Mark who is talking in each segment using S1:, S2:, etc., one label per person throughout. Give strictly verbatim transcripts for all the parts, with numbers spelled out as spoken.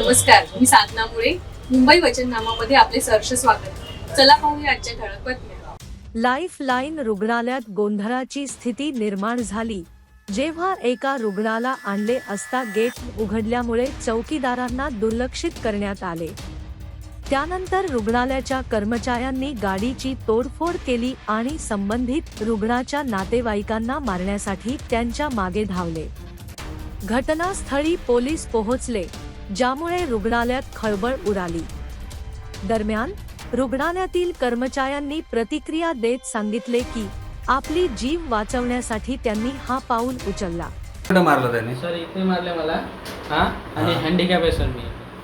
S1: नमस्कार, मी साधना मुळे. मुंबई वचननामामध्ये आपले सहर्ष स्वागत. चला पाहूया आजच्या ठळक बातम्या.
S2: लाईफलाईन रुग्णालयात गोंधळाची स्थिती निर्माण झाली जेव्हा एका रुग्णाला आणले असता गेट उघडल्यामुळे चौकीदारांना दुर्लक्षित करण्यात आले. त्यानंतर रुग्णालयाच्या कर्मचाऱ्यांनी गाडीची तोडफोड केली आणि संबंधित रुग्णाच्या नातेवाईकांना मारण्यासाठी त्यांच्या मागे धावले. घटनास्थळी पोलीस पोहोचले, ज्यामुळे रुग्णालयात खळबळ उडाली. दरम्यान रुग्णालयातील कर्मचाऱ्यांनी प्रतिक्रिया देत सांगितले की आपली जीव वाचवण्यासाठी त्यांनी हा पाऊल उचलला.
S3: कुठं मारलं त्याने?
S4: सर इथे मारले मला. हा आणि
S3: हा.
S4: हँडिकॅप आहे सर मी.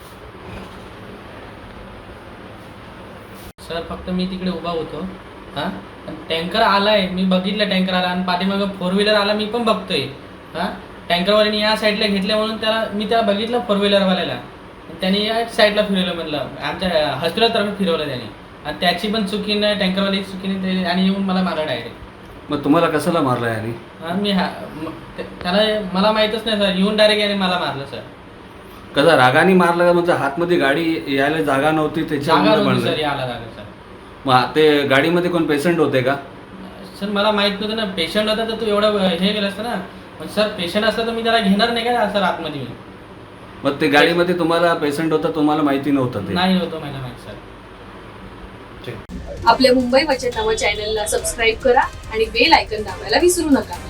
S4: सर फक्त मी तिकडे उभा होतो. हा टँकर आलाय, मी बघितलं टँकर आला आणि पाठीमागं फोर व्हीलर आला, मी पण बघतोय. हा टँकरवाल्याने या साईडला घेतले म्हणून त्याला मी त्याला बघितलं फोर व्हीलरवाल्याला, त्याने या साईडला फिरवलं, म्हणलं आमच्या हॉस्पिटलतर्फे फिरवलं त्याने. आणि त्याची पण चुकीनं टँकरवाली चुकीने ते आणि येऊन मला मारला डायरेक्ट.
S3: मग तुम्हाला कशाला मारलं याने?
S4: हा मी हा म- ते- त्याला मला माहीतच नाही सर, येऊन डायरेक्ट याने मला मारलं सर.
S3: कसा रागाने मारलं का? म्हणजे हातमध्ये गाडी यायला जागा नव्हती
S4: जागा
S3: त्याच्यामुळे
S4: नव्हती सर,
S3: मारलं?
S4: याला जागा सर.
S3: मग ते गाडीमध्ये कोण पेशंट होते का?
S4: सर मला माहित नव्हतं ना, पेशंट होता तर तू एवढं हे केलं असतं ना. पण सर पेशंट असला तर मी त्याला घेणार नाही का सर आतमध्ये मी.
S3: मग ते गाडीमध्ये तुम्हाला पेशंट होता, तुम्हाला माहिती नव्हतं ते?
S4: नाही होतं मला माहित सर.
S1: आपल्या मुंबई वचननामा चॅनलला सबस्क्राईब करा आणि बेल आयकॉन दाबायला विसरू नका.